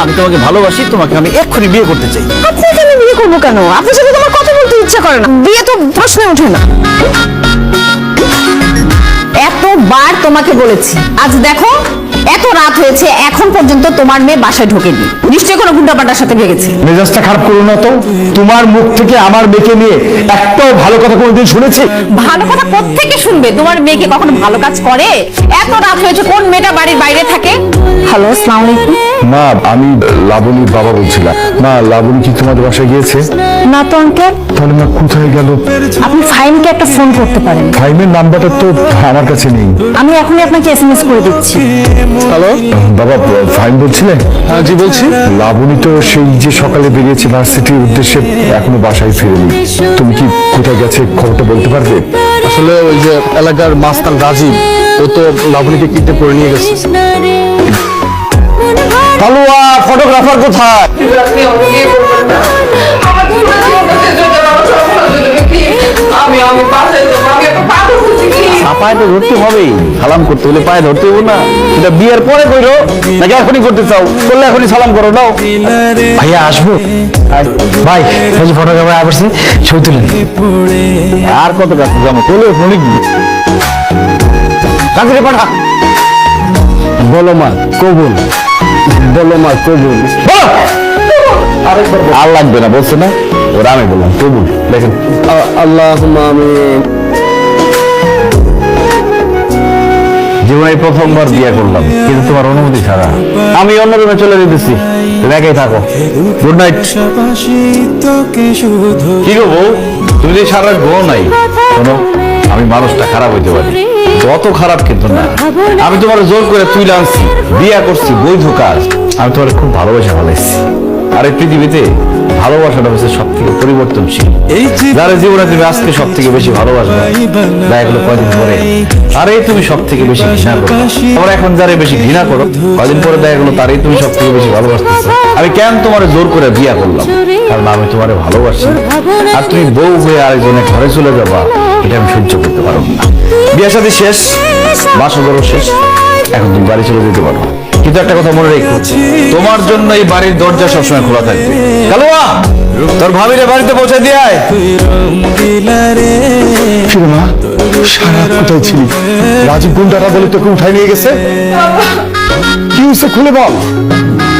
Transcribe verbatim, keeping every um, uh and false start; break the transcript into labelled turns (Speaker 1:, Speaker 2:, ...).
Speaker 1: আমি তোমাকে ভালোবাসি, তোমাকে আমি এক্ষুনি বিয়ে করতে চাই।
Speaker 2: আপনাকে আমি বিয়ে করবো কেন? আপনার সাথে তোমার কথা বলতে ইচ্ছা করে না, বিয়ে তো প্রশ্নে ওঠে না। এতবার তোমাকে বলেছি, আজ দেখো এত রাত হয়েছে এখন পর্যন্ত তোমার মেয়ে বাসায় ঢোকেনি, নিশ্চয়ই কোনো গুন্ডাপান্ডার সাথে ভেগেছে।
Speaker 3: মেজাজটা খারাপ করো না তো, তোমার মুখ থেকে আমার মেয়েকে নিয়ে একটাও ভালো কথা কোনোদিন শুনেছি?
Speaker 2: ভালো কথা কোত্থেকে শুনবে? তোমার মেয়েকে কখনো ভালো কাজ করে? এত রাত হয়েছে, কোন মেয়েটা বাড়ির বাইরে থাকে? হ্যালো, আসসালামু আলাইকুম।
Speaker 3: মা, আমি লাবণীর বাবা বলছিলাম। মা, লাবণী কি তোমাদের বাসায় গিয়েছে?
Speaker 2: না তো আঙ্কেল।
Speaker 3: তাহলে মা কোথায় গেল?
Speaker 2: আপনি ফাইমকে একটা ফোন করতে পারেন।
Speaker 3: ফাইমের নাম্বারটা তো আমার কাছে নেই।
Speaker 2: আমি এখনই আপনাকে এসএমএস করে দিচ্ছি।
Speaker 3: হ্যালো বাবা, ফাইম বলছিলেন?
Speaker 4: হ্যাঁ জি বলছি।
Speaker 3: লাবণী তো সেই যে সকালে বেরিয়েছে ভার্সিটির উদ্দেশ্যে, এখনো বাসায় ফিরেনি। তুমি কি কোথায় গেছে খবরটা বলতে পারবে?
Speaker 4: আসলে ওই যে এলাকার মাস্তান রাজীব, ও তো লাবণীকে কিডন্যাপ করে নিয়ে গেছে।
Speaker 3: হালুয়া ফটোগ্রাফার কোথায়?
Speaker 1: পায়ে তো ধরতে হবেই, সালাম করতে হলে পায়ে ধরতে হবে না? এটা বিয়ের পরে কইরো নাকি এখনই করতে চাও? করলে এখনই সালাম করো, নাও।
Speaker 3: ভাইয়া আসবো? ভাই এই যে ফটোগ্রাফার আসছে, ছবি তুলেন।
Speaker 1: আর কত কাছে যাবো? চলে ফোনে কাছে পাঠা।
Speaker 3: বলো মা কবুল, বলো মা কবুল।
Speaker 1: আর লাগবে না, বলছে না? ওরা আমি বললাম কবুল। দেখেন,
Speaker 4: আল্লাহুম্মা আমিন।
Speaker 1: জীবনে প্রথমবার বিয়ে করলাম, কিন্তু তোমার অনুমতি ছাড়া। আমি অন্য রুমে চলে যেতেছি, তুমি একাই থাকো। Good night. কি গো বউ, তুমি যে সারা রাত ঘুমাও নাই? শোনো, আমি মানুষটা খারাপ হইতে পারি, অত খারাপ কিন্তু না। আমি তোমার জোর করে তুলে আনছি, বিয়ে করছি, বৈধ কাজ। আমি তোমার খুব ভালোবাসা ভালাইছি। আর এই পৃথিবীতে ভালোবাসাটা হচ্ছে সব থেকে পরিবর্তনশীল। যারা জীবনে তুমি আজকে সব থেকে বেশি ভালোবাসবে, দেখা গেলো কয়দিন পরে আরে তুমি সব থেকে বেশি ঘৃণা করো। আবার এখন যারা বেশি ঘৃণা করো, কয়দিন পরে দেখা গেলো তারই তুমি সব থেকে বেশি ভালোবাসতেছো। আমি কেন তোমার জোর করে বিয়ে করলাম? কারণ আমি তোমারে ভালোবাসি। আর তুমি বউ হয়ে আরেকজনের ঘরে চলে যাবা, এটা আমি সহ্য করতে পারবো না। বিয়ে শাদী শেষ, বাসর শেষ, এখন তুমি বাড়ি চলে যেতে পারো। কিন্তু একটা কথা মনে রেখো, তোমার জন্য এই বাড়ির দরজা সবসময় খোলা থাকবে। কালুয়া, তোর ভাবিরে বাড়িতে পৌঁছে দিয়ে আয়।
Speaker 3: ফিরে মা, সারা রাত কোথায় ছিলি? রাজীব গুন্ডারা বলে তোকে উঠাই নিয়ে গেছে? কি হয়েছে খুলে বল।